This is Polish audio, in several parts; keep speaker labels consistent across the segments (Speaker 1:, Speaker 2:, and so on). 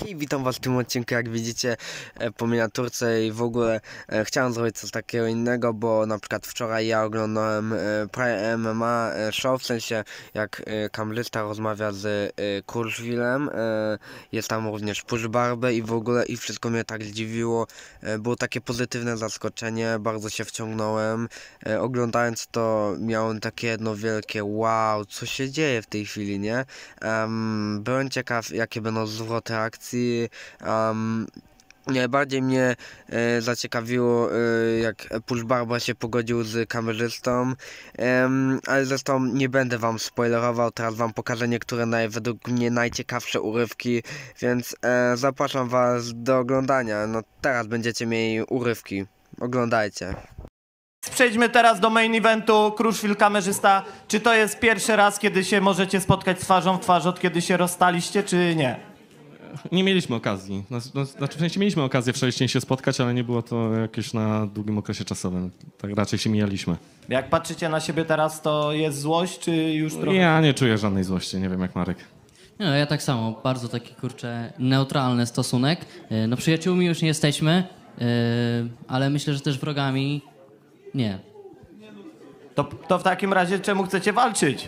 Speaker 1: Hej, witam was w tym odcinku. Jak widzicie po miniaturce i w ogóle chciałem zrobić coś takiego innego, bo na przykład wczoraj ja oglądałem Prime MMA show, w sensie jak kamerzysta rozmawia z Kurszwilem, jest tam również Push Barbę i w ogóle i wszystko mnie tak zdziwiło, było takie pozytywne zaskoczenie, bardzo się wciągnąłem, oglądając to miałem takie jedno wielkie wow, co się dzieje w tej chwili, nie? Byłem ciekaw, jakie będą zwroty akcji. Najbardziej mnie zaciekawiło, jak Push Barba się pogodził z kamerzystą, ale zresztą nie będę wam spoilerował, teraz wam pokażę niektóre według mnie najciekawsze urywki, więc zapraszam was do oglądania. No teraz będziecie mieli urywki, oglądajcie.
Speaker 2: Przejdźmy teraz do main eventu. Kruszwil, kamerzysta. Czy to jest pierwszy raz, kiedy się możecie spotkać twarzą w twarz, od kiedy się rozstaliście, czy nie?
Speaker 3: Nie mieliśmy okazji. Znaczy w sensie mieliśmy okazję wcześniej się spotkać, ale nie było to jakieś na długim okresie czasowym. Tak raczej się mijaliśmy.
Speaker 2: Jak patrzycie na siebie teraz, to jest złość, czy już trochę...
Speaker 3: Ja nie czuję żadnej złości, nie wiem jak Marek.
Speaker 4: No, ja tak samo, bardzo taki, neutralny stosunek. No przyjaciółmi już nie jesteśmy, ale myślę, że też wrogami nie.
Speaker 2: To w takim razie czemu chcecie walczyć?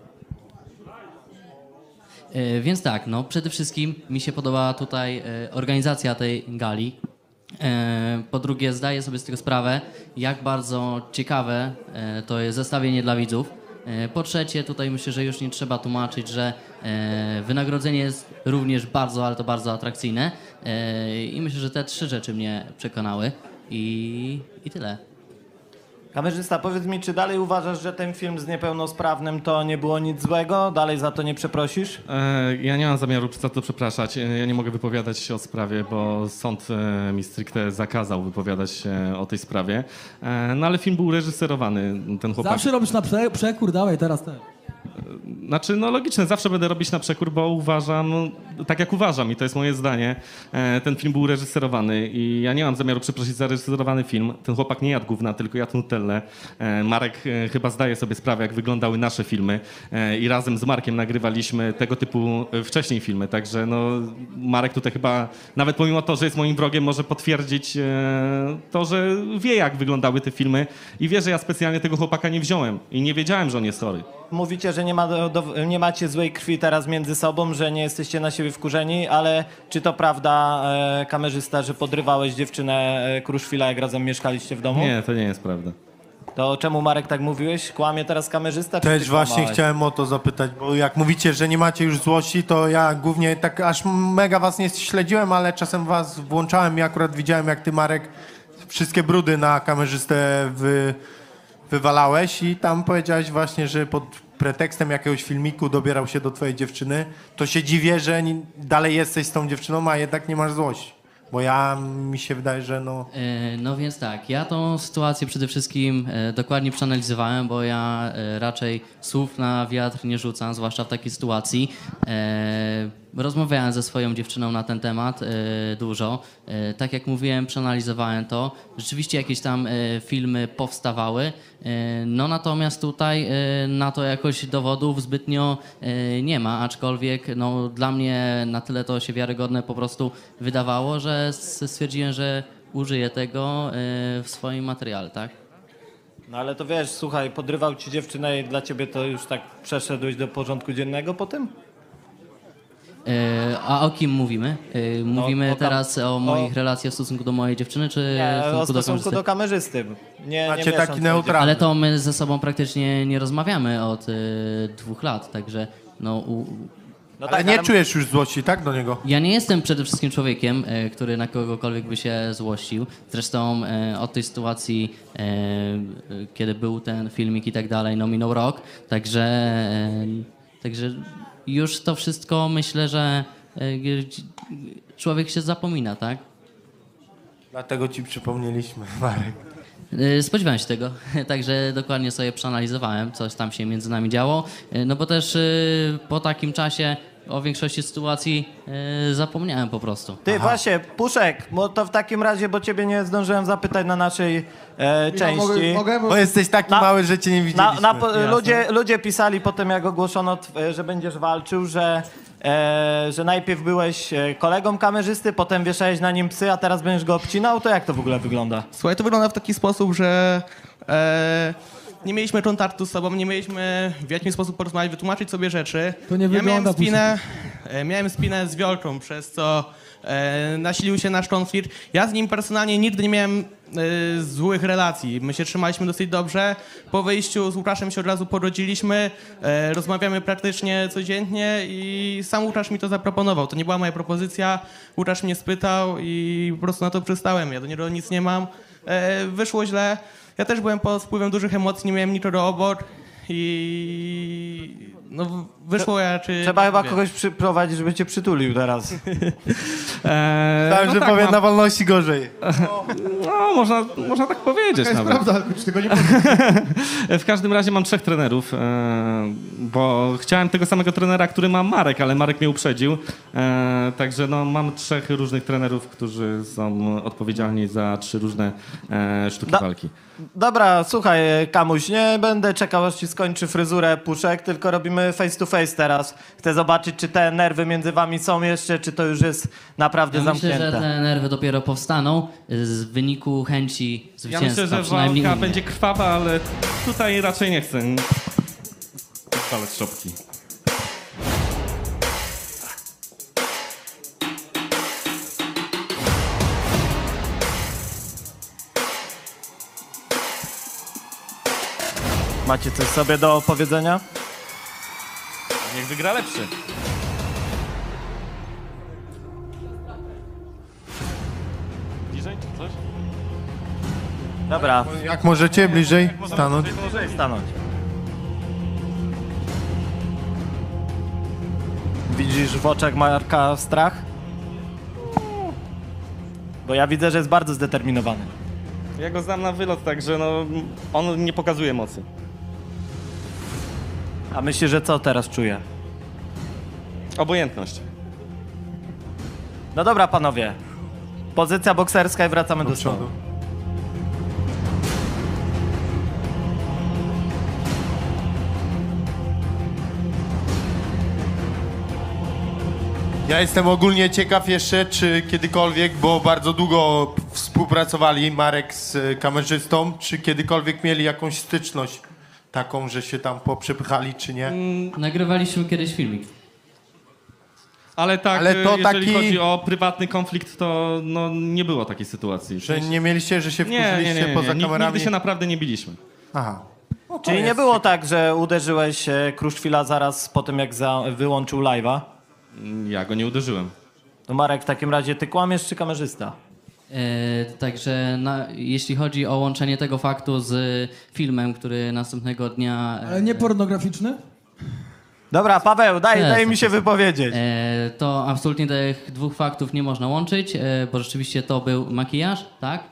Speaker 4: Więc tak, no przede wszystkim mi się podoba tutaj organizacja tej gali. Po drugie, zdaję sobie z tego sprawę, jak bardzo ciekawe to jest zestawienie dla widzów. Po trzecie, tutaj myślę, że już nie trzeba tłumaczyć, że wynagrodzenie jest również bardzo, ale to bardzo atrakcyjne. I myślę, że te trzy rzeczy mnie przekonały i tyle.
Speaker 2: Kamerzysta, powiedz mi, czy dalej uważasz, że ten film z niepełnosprawnym to nie było nic złego? Dalej za to nie przeprosisz?
Speaker 3: Ja nie mam zamiaru za to przepraszać. Ja nie mogę wypowiadać się o sprawie, bo sąd mi stricte zakazał wypowiadać się o tej sprawie. No ale film był reżyserowany. Ten chłopak...
Speaker 5: Zawsze robisz na przekór, dawaj teraz ten.
Speaker 3: Znaczy, no logiczne, zawsze będę robić na przekór, bo uważam, tak jak uważam i to jest moje zdanie, ten film był reżyserowany i ja nie mam zamiaru przeprosić za reżyserowany film. Ten chłopak nie jadł gówna, tylko jadł nutellę. Marek chyba zdaje sobie sprawę, jak wyglądały nasze filmy i razem z Markiem nagrywaliśmy tego typu wcześniej filmy, także no Marek tutaj chyba, nawet pomimo to, że jest moim wrogiem, może potwierdzić to, że wie, jak wyglądały te filmy i wie, że ja specjalnie tego chłopaka nie wziąłem i nie wiedziałem, że on jest chory.
Speaker 2: Mówicie, że nie macie złej krwi teraz między sobą, że nie jesteście na siebie wkurzeni, ale czy to prawda, kamerzysta, że podrywałeś dziewczynę Kruszwila, jak razem mieszkaliście w domu?
Speaker 3: Nie, to nie jest prawda.
Speaker 2: To czemu, Marek, tak mówiłeś? Kłamie teraz kamerzysta? Czy
Speaker 6: Też
Speaker 2: ty
Speaker 6: właśnie
Speaker 2: kłamałeś?
Speaker 6: chciałem o to zapytać, bo jak mówicie, że nie macie już złości, to ja głównie tak aż mega was nie śledziłem, ale czasem was włączałem i akurat widziałem, jak ty, Marek, wszystkie brudy na kamerzystę wywalałeś i tam powiedziałeś właśnie, że pod pretekstem jakiegoś filmiku dobierał się do twojej dziewczyny, to się dziwię, że dalej jesteś z tą dziewczyną, a jednak nie masz złości. Bo mi się wydaje, że no...
Speaker 4: No więc tak, ja tą sytuację przede wszystkim dokładnie przeanalizowałem, bo ja raczej słów na wiatr nie rzucam, zwłaszcza w takiej sytuacji. Rozmawiałem ze swoją dziewczyną na ten temat dużo. Tak jak mówiłem, przeanalizowałem to. Rzeczywiście jakieś tam filmy powstawały, no natomiast tutaj na to jakoś dowodów zbytnio nie ma, aczkolwiek no, dla mnie na tyle to się wiarygodne po prostu wydawało, że stwierdziłem, że użyję tego w swoim materiale, tak?
Speaker 2: No ale to wiesz, słuchaj, podrywał ci dziewczynę i dla ciebie to już tak przeszedłeś do porządku dziennego po tym?
Speaker 4: A o kim mówimy? Mówimy
Speaker 2: o
Speaker 4: teraz o moich relacjach w stosunku do mojej dziewczyny, czy
Speaker 2: Nie,
Speaker 4: w
Speaker 2: o
Speaker 4: stosunku do
Speaker 2: stosunku
Speaker 4: kamerzysty?
Speaker 2: do kamerzysty. Nie
Speaker 6: Macie
Speaker 2: mieszam
Speaker 6: taki
Speaker 2: twojej
Speaker 6: neutralny.
Speaker 4: Ale to my ze sobą praktycznie nie rozmawiamy od 2 lat, także no...
Speaker 2: No
Speaker 6: Ale nie czujesz już złości, tak, do niego?
Speaker 4: Ja nie jestem przede wszystkim człowiekiem, który na kogokolwiek by się złościł. Zresztą od tej sytuacji, kiedy był ten filmik i tak dalej, no minął rok, także już to wszystko myślę, że człowiek się zapomina, tak?
Speaker 6: Dlatego ci przypomnieliśmy, Marek.
Speaker 4: Spodziewałem się tego, także dokładnie sobie przeanalizowałem, coś tam się między nami działo, no bo też po takim czasie o większości sytuacji zapomniałem po prostu.
Speaker 2: Ty, właśnie, Puszek, bo to w takim razie, bo ciebie nie zdążyłem zapytać na naszej części.
Speaker 6: Bo jesteś taki mały, że cię nie widzieliśmy.
Speaker 2: Ludzie pisali potem, jak ogłoszono, że będziesz walczył, że że najpierw byłeś kolegą kamerzysty, potem wieszałeś na nim psy, a teraz będziesz go obcinał, to jak to w ogóle wygląda?
Speaker 7: Słuchaj, to wygląda w taki sposób, że nie mieliśmy kontaktu z sobą, nie mieliśmy w jakiś sposób porozmawiać, wytłumaczyć sobie rzeczy.
Speaker 5: To nie wygląda
Speaker 7: miałem spinę z Wiolką, przez co nasilił się nasz konflikt. Ja z nim personalnie nigdy nie miałem złych relacji. My się trzymaliśmy dosyć dobrze. Po wyjściu z Łukaszem się od razu porodziliśmy, rozmawiamy praktycznie codziennie i sam Łukasz mi to zaproponował. To nie była moja propozycja, Łukasz mnie spytał i po prostu na to przystałem. Ja do niego nic nie mam. Wyszło źle. Ja też byłem pod wpływem dużych emocji, nie miałem nikogo obok i no wyszło raczej...
Speaker 2: Trzeba chyba kogoś przyprowadzić, żeby cię przytulił teraz.
Speaker 6: Myślałem, że
Speaker 3: tak,
Speaker 6: powiem na wolności gorzej.
Speaker 3: No, można tak powiedzieć nawet.
Speaker 6: Prawda, ale tego nie
Speaker 3: W każdym razie mam 3 trenerów, bo chciałem tego samego trenera, który ma Marek, ale Marek mnie uprzedził. Także no, mam 3 różnych trenerów, którzy są odpowiedzialni za 3 różne sztuki walki.
Speaker 2: Dobra, słuchaj, Kamuś, nie będę czekał, aż ci skończy fryzurę Puszek, tylko robimy face to face teraz. Chcę zobaczyć, czy te nerwy między wami są jeszcze, czy to już jest naprawdę
Speaker 4: Ja myślę,
Speaker 2: zamknięte.
Speaker 4: że te nerwy dopiero powstaną z wyniku chęci
Speaker 3: Ja
Speaker 4: zwycięstwa.
Speaker 3: myślę, że
Speaker 4: przynajmniej u
Speaker 3: walka
Speaker 4: mnie.
Speaker 3: będzie krwawa, ale tutaj raczej nie chcę palec szopki.
Speaker 2: Macie coś sobie do powiedzenia?
Speaker 3: Niech wygra lepszy. Bliżej czy coś?
Speaker 2: Dobra,
Speaker 6: Jak możecie bliżej stanąć?
Speaker 2: stanąć. Widzisz w oczach Marka strach? Bo ja widzę, że jest bardzo zdeterminowany.
Speaker 3: Ja go znam na wylot, także no, on nie pokazuje mocy.
Speaker 2: A myślisz, że co teraz czuje?
Speaker 3: Obojętność.
Speaker 2: No dobra, panowie. Pozycja bokserska i wracamy do
Speaker 6: Do
Speaker 2: stołu.
Speaker 6: przodu. Ja jestem ogólnie ciekaw jeszcze, czy kiedykolwiek, bo bardzo długo współpracowali Marek z kamerzystą, czy kiedykolwiek mieli jakąś styczność taką, że się tam poprzepychali, czy nie?
Speaker 4: Nagrywaliśmy kiedyś filmik.
Speaker 3: Ale tak,
Speaker 6: Ale to
Speaker 3: jeżeli
Speaker 6: taki-
Speaker 3: chodzi o prywatny konflikt, to no, nie było takiej sytuacji.
Speaker 6: Że nie mieliście, że się wkurzyliście poza kamerami?
Speaker 3: Nigdy się naprawdę nie biliśmy.
Speaker 6: Aha.
Speaker 2: Czyli nie było tak, że uderzyłeś Kruszwila zaraz po tym, jak wyłączył live'a?
Speaker 3: Ja go nie uderzyłem.
Speaker 2: To Marek, w takim razie ty kłamiesz czy kamerzysta?
Speaker 4: Także jeśli chodzi o łączenie tego faktu z filmem, który następnego dnia...
Speaker 5: Ale nie pornograficzny?
Speaker 2: Dobra, Paweł, daj
Speaker 4: Jest,
Speaker 2: mi się wypowiedzieć.
Speaker 4: To absolutnie tych 2 faktów nie można łączyć, bo rzeczywiście to był makijaż, tak?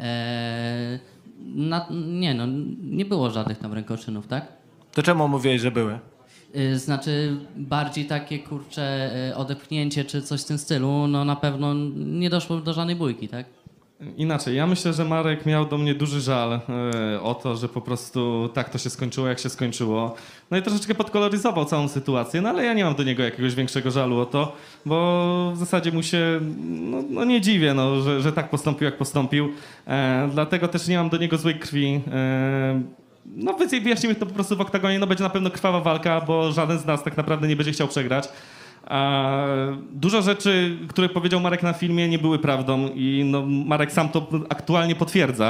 Speaker 4: Nie było żadnych tam rękoczynów, tak?
Speaker 2: To czemu mówiłeś, że były?
Speaker 4: Znaczy bardziej takie, kurcze, odepchnięcie czy coś w tym stylu, no na pewno nie doszło do żadnej bójki, tak?
Speaker 3: Inaczej, ja myślę, że Marek miał do mnie duży żal o to, że po prostu tak to się skończyło, jak się skończyło. No i troszeczkę podkoloryzował całą sytuację, no ale ja nie mam do niego jakiegoś większego żalu o to, bo w zasadzie mu się no nie dziwię, no, że tak postąpił, jak postąpił. Dlatego też nie mam do niego złej krwi. No wyjaśnimy to po prostu w oktagonie, no będzie na pewno krwawa walka, bo żaden z nas tak naprawdę nie będzie chciał przegrać. Dużo rzeczy, które powiedział Marek na filmie, nie były prawdą i no, Marek sam to aktualnie potwierdza.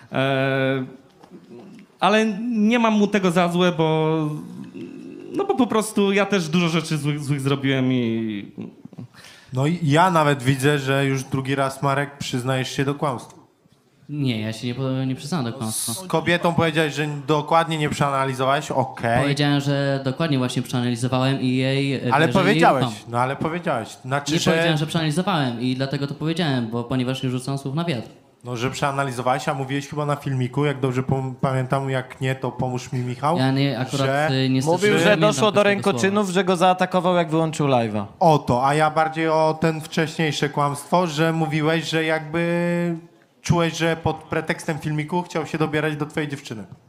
Speaker 3: Ale nie mam mu tego za złe, bo po prostu ja też dużo rzeczy złych zrobiłem i...
Speaker 6: No i ja nawet widzę, że już drugi raz, Marek, przyznajesz się do kłamstwa.
Speaker 4: Nie, ja się nie przyznałem do kłamstwa.
Speaker 6: Z kobietą powiedziałeś, że dokładnie nie przeanalizowałeś, okej.
Speaker 4: Powiedziałem, że dokładnie właśnie przeanalizowałem i jej...
Speaker 6: Ale
Speaker 4: wierzę,
Speaker 6: powiedziałeś,
Speaker 4: jej ufam.
Speaker 6: no ale powiedziałeś. Znaczy,
Speaker 4: Nie powiedziałem, że przeanalizowałem i dlatego to powiedziałem, ponieważ nie rzucam słów na wiatr.
Speaker 6: No, że przeanalizowałeś, a mówiłeś chyba na filmiku, jak dobrze pamiętam, jak nie, to pomóż mi, Michał.
Speaker 4: Ja nie, akurat
Speaker 6: że...
Speaker 4: niestety...
Speaker 2: Mówił,
Speaker 4: nie
Speaker 2: że
Speaker 4: pamiętam
Speaker 2: doszło do
Speaker 4: każdego
Speaker 2: rękoczynów, że go zaatakował, jak wyłączył live'a.
Speaker 6: O to, a ja bardziej o ten wcześniejsze kłamstwo, że mówiłeś, że jakby czułeś, że pod pretekstem filmiku chciał się dobierać do twojej dziewczyny.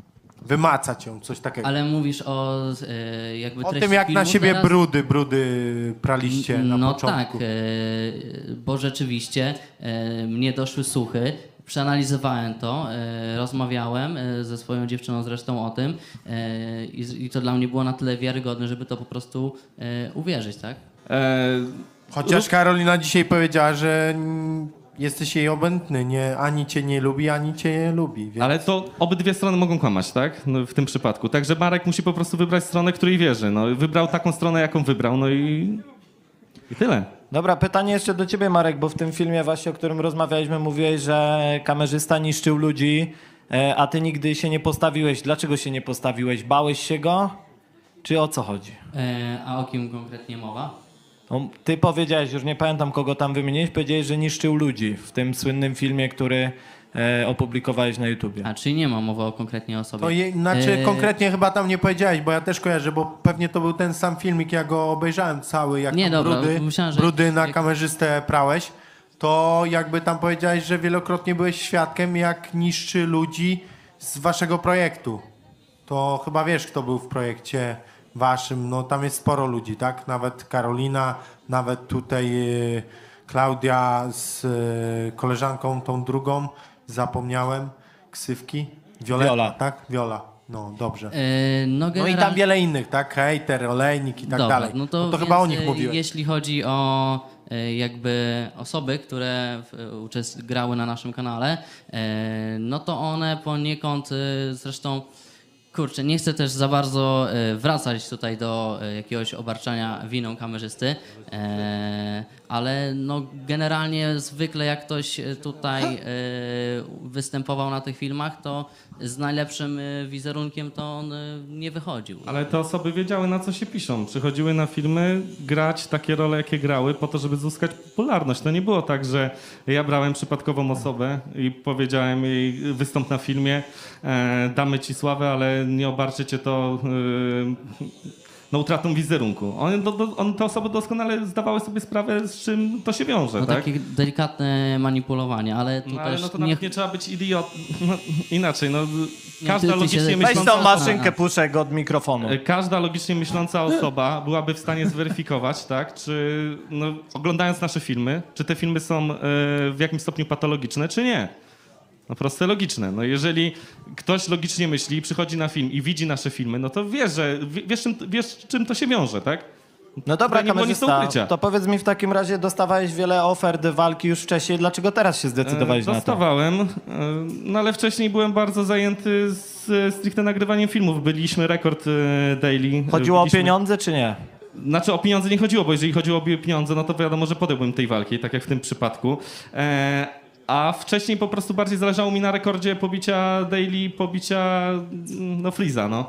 Speaker 6: wymacać ją, coś takiego.
Speaker 4: Ale mówisz o jakby
Speaker 6: O
Speaker 4: treści
Speaker 6: tym, jak
Speaker 4: filmu
Speaker 6: na siebie
Speaker 4: teraz?
Speaker 6: brudy praliście na
Speaker 4: No
Speaker 6: początku.
Speaker 4: tak, bo rzeczywiście mnie doszły słuchy, przeanalizowałem to, rozmawiałem ze swoją dziewczyną zresztą o tym i to dla mnie było na tyle wiarygodne, żeby to po prostu uwierzyć, tak?
Speaker 6: Chociaż Karolina dzisiaj powiedziała, że jesteś jej obędny, nie, ani cię nie lubi, ani cię nie lubi. Więc...
Speaker 3: Ale to obydwie strony mogą kłamać, tak? No, w tym przypadku. Także Marek musi po prostu wybrać stronę, której wierzy. No, wybrał taką stronę, jaką wybrał, no i tyle.
Speaker 2: Dobra, pytanie jeszcze do ciebie, Marek, bo w tym filmie właśnie, o którym rozmawialiśmy, mówiłeś, że kamerzysta niszczył ludzi, a ty nigdy się nie postawiłeś. Dlaczego się nie postawiłeś? Bałeś się go? Czy o co chodzi?
Speaker 4: A o kim konkretnie mowa?
Speaker 2: No, ty powiedziałeś, już nie pamiętam kogo tam wymieniłeś, powiedziałeś, że niszczył ludzi w tym słynnym filmie, który opublikowałeś na YouTubie.
Speaker 4: A czyli nie ma mowy o konkretnie osobie?
Speaker 6: To znaczy konkretnie chyba tam nie powiedziałeś, bo ja też kojarzę, bo pewnie to był ten sam filmik, ja go obejrzałem cały, jak
Speaker 4: Nie,
Speaker 6: tam
Speaker 4: dobra, myślałem, że-
Speaker 6: brudy na kamerzystę prałeś, to jakby tam powiedziałeś, że wielokrotnie byłeś świadkiem, jak niszczy ludzi z waszego projektu. To chyba wiesz, kto był w projekcie waszym, no tam jest sporo ludzi, tak? Nawet Karolina, nawet tutaj Klaudia z koleżanką tą drugą, zapomniałem, ksywki.
Speaker 2: Viola.
Speaker 6: Tak? Viola. No, dobrze.
Speaker 4: No,
Speaker 6: No i
Speaker 4: generalnie...
Speaker 6: tam wiele innych, tak? Hejter, olejnik i tak
Speaker 4: Dobra,
Speaker 6: dalej.
Speaker 4: no to,
Speaker 6: chyba o
Speaker 4: więc,
Speaker 6: nich mówiłeś.
Speaker 4: Jeśli chodzi o jakby osoby, które grały na naszym kanale, no to one poniekąd zresztą, kurczę, nie chcę też za bardzo wracać tutaj do jakiegoś obarczania winą kamerzysty, ale no generalnie zwykle jak ktoś tutaj występował na tych filmach, to z najlepszym wizerunkiem to on nie wychodził.
Speaker 3: Ale te osoby wiedziały, na co się piszą. Przychodziły na filmy grać takie role, jakie grały, po to, żeby zyskać popularność. To nie było tak, że ja brałem przypadkową osobę i powiedziałem jej, wystąp na filmie, damy ci sławę, ale nie obarczycie to no, utratą wizerunku. Te osoby doskonale zdawały sobie sprawę, z czym to się wiąże,
Speaker 4: No
Speaker 3: tak?
Speaker 4: takie delikatne manipulowanie, ale tu
Speaker 3: No, ale
Speaker 4: też
Speaker 3: no to nawet nie trzeba być idiot. No, inaczej, no,
Speaker 4: Nie,
Speaker 3: każda
Speaker 4: ty się-
Speaker 3: logicznie
Speaker 4: Weź
Speaker 2: Weź
Speaker 3: myśląca...
Speaker 2: tą maszynkę, puszek od mikrofonu.
Speaker 3: Każda logicznie myśląca osoba byłaby w stanie zweryfikować, tak, czy no, oglądając nasze filmy, czy te filmy są w jakimś stopniu patologiczne, czy nie. No proste, logiczne. No jeżeli ktoś logicznie myśli, przychodzi na film i widzi nasze filmy, no to wiesz czym to się wiąże, tak?
Speaker 2: No dobra,
Speaker 3: nie było nic do
Speaker 2: kamerzysta,
Speaker 3: ukrycia.
Speaker 2: to powiedz mi w takim razie, dostawałeś wiele ofert walki już wcześniej, dlaczego teraz się zdecydowałeś na to?
Speaker 3: Dostawałem, no ale wcześniej byłem bardzo zajęty stricte nagrywaniem filmów. Byliśmy Rekord Daily.
Speaker 2: Chodziło o
Speaker 3: Byliśmy-
Speaker 2: pieniądze, czy nie?
Speaker 3: Znaczy o pieniądze nie chodziło, bo jeżeli chodziło o pieniądze, no to wiadomo, że podjąłbym tej walki, tak jak w tym przypadku. A wcześniej po prostu bardziej zależało mi na rekordzie pobicia Daily, pobicia no Freeza, no,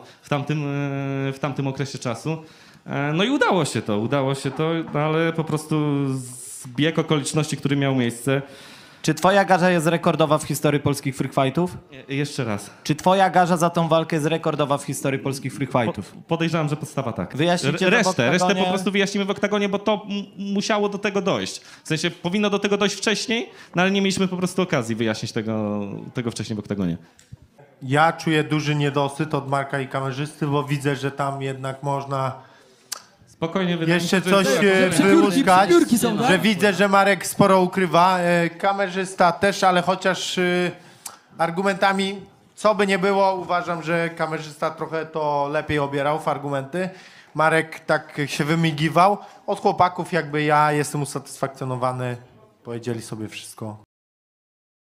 Speaker 3: w tamtym okresie czasu. No i udało się to, no, ale po prostu zbieg okoliczności, który miał miejsce.
Speaker 2: Czy twoja garza jest rekordowa w historii polskich free fightów?
Speaker 3: Jeszcze raz.
Speaker 2: Czy twoja garza za tą walkę jest rekordowa w historii polskich free fightów?
Speaker 3: Podejrzewam, że podstawa tak.
Speaker 2: Wyjaśnijcie to w
Speaker 3: Resztę
Speaker 2: oktagonie.
Speaker 3: po prostu wyjaśnimy w oktagonie, bo to musiało do tego dojść. W sensie powinno do tego dojść wcześniej, no ale nie mieliśmy po prostu okazji wyjaśnić tego wcześniej w oktagonie.
Speaker 6: Ja czuję duży niedosyt od Marka i kamerzysty, bo widzę, że tam jednak można
Speaker 3: Spokojnie, wydaje
Speaker 6: jeszcze
Speaker 3: mi się,
Speaker 6: coś
Speaker 3: że...
Speaker 6: wyłuskać,
Speaker 5: przepiórki są, tak?
Speaker 6: że widzę, że Marek sporo ukrywa. Kamerzysta też, ale chociaż argumentami, co by nie było, uważam, że kamerzysta trochę to lepiej obierał w argumenty. Marek tak się wymigiwał. Od chłopaków jakby ja jestem usatysfakcjonowany. Powiedzieli sobie wszystko.